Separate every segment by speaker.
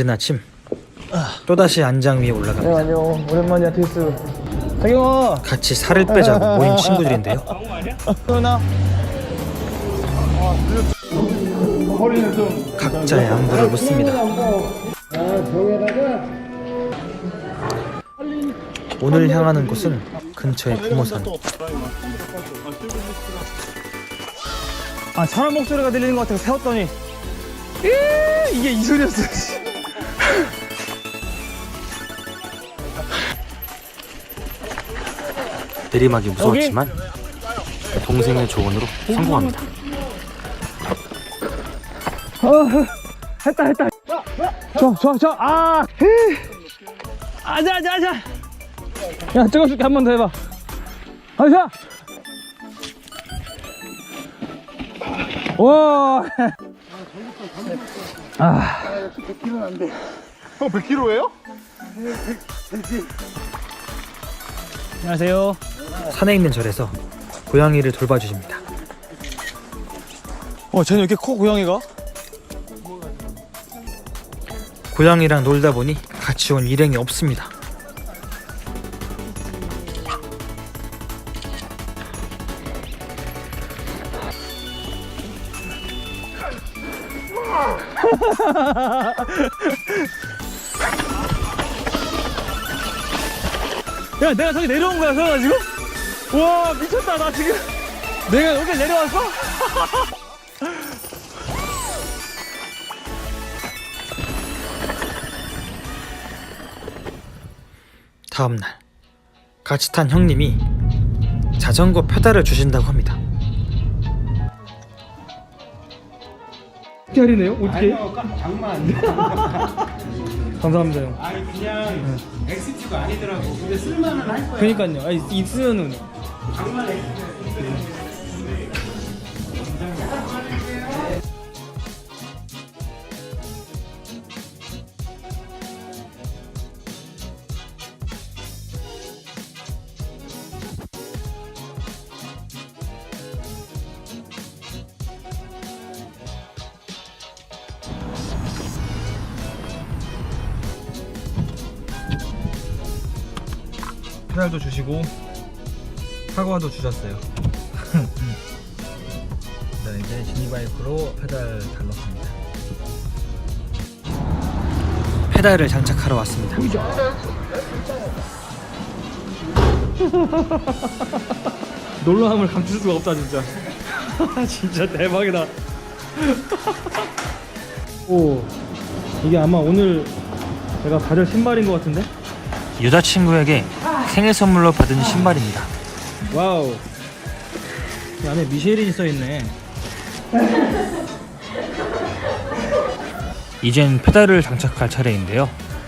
Speaker 1: 이른 아침 또다시 안장 위에 올라갑니다.
Speaker 2: 안녕. 오랜만이야 테이스. 자경아.
Speaker 1: 같이 살을 빼자고 모인 친구들인데요. 각자의 안부를 묻습니다. 오늘 향하는 곳은 근처의 부모산.
Speaker 2: 아, 사람 목소리가 들리는 것 같아서 세웠더니 이게 이 소리였어.
Speaker 1: 내리막이 무서웠지만 동생의 조언으로 성공합니다.
Speaker 2: 했다. 좋아. 아자. 야, 찍어줄게. 한 번 더 해봐. 아자. 와.
Speaker 3: 100kg는 안 돼. 형 100kg예요?
Speaker 2: 안녕하세요.
Speaker 1: 산에 있는 절에서 고양이를 돌봐주십니다.
Speaker 2: 쟤는 왜 이렇게 커, 고양이가?
Speaker 1: 고양이랑 놀다 보니 같이 온 일행이 없습니다.
Speaker 2: 야, 내가 저기 내려온 거야, 서현아, 지금? 와, 미쳤다, 나 지금. 내가 여기 내려왔어?
Speaker 1: 다음날 같이 탄 형님이 자전거 페달을 주신다고 합니다.
Speaker 2: 어떻게 할인해요? 어떻게?
Speaker 3: 아니요, 장만.
Speaker 2: 감사합니다, 형.
Speaker 3: 아니 그냥 엑스티가 아니더라고. 근데 쓸만은 할 거야.
Speaker 2: 그니까요. 아니, 있으면은.
Speaker 3: 장만 엑스티가.
Speaker 2: 페달도 주시고 사과도 주셨어요. 자, 이제 지니바이크로 페달 달렀습니다.
Speaker 1: 페달을 장착하러 왔습니다.
Speaker 2: 놀라움을 감출 수가 없다, 진짜. 진짜 대박이다. 오, 이게 아마 오늘 제가 가질 신발인 것 같은데?
Speaker 1: 여자친구에게 생일 선물로 받은 신발입니다.
Speaker 2: 와우. 이 안에 미쉐린이 써있네.
Speaker 1: 이젠 페달을 장착할 차례인데요.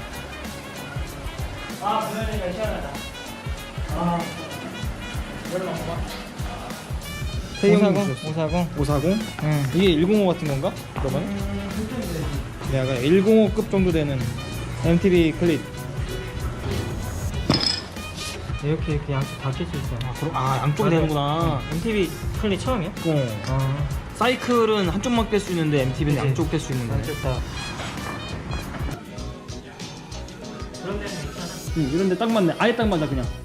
Speaker 2: K540? 540? 응. 이게 105 같은 건가? 그러면? 약간 105급 정도 되는 MTB 클립. 이렇게 양쪽 다 낄 수 있어.
Speaker 1: 양쪽이 되는구나.
Speaker 2: MTB 클립 처음이야?
Speaker 1: 사이클은 한쪽만 낄 수 있는데 MTB는
Speaker 2: 그치.
Speaker 1: 양쪽 낄 수 있는 거네.
Speaker 2: 좋다. 이런 데 딱 맞네. 아예 딱 맞아, 그냥.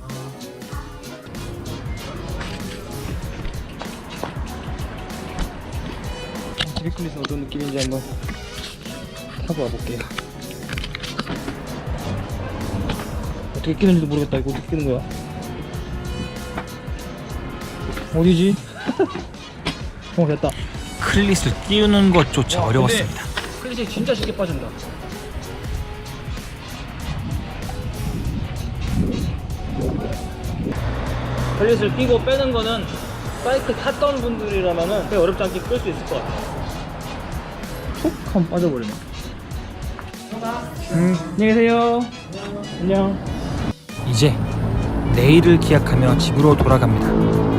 Speaker 2: MTB 클립은 어떤 느낌인지 한번 타고 와볼게요. 어떻게 끼는지도 모르겠다. 이거 어떻게 끼는 거야? 어디지? 됐다.
Speaker 1: 클릿을 끼우는 것조차 어려웠습니다.
Speaker 2: 클릿이 진짜 쉽게 빠진다. 클릿을 끼고 빼는 거는 사이클 탔던 분들이라면은 꽤 어렵지 않게 끌 수 있을 것 같아. 툭 하면 빠져버리네. 안녕히 계세요. 안녕.
Speaker 1: 이제 내일을 기약하며 집으로 돌아갑니다.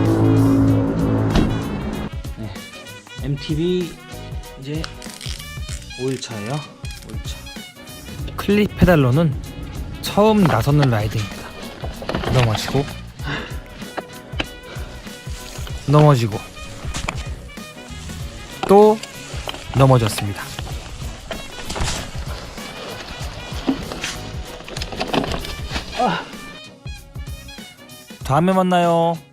Speaker 1: 네, MTB 이제 5일차예요. 5일차. 클립 페달로는 처음 나서는 라이딩입니다. 넘어지고 또 넘어졌습니다. 다음에 만나요.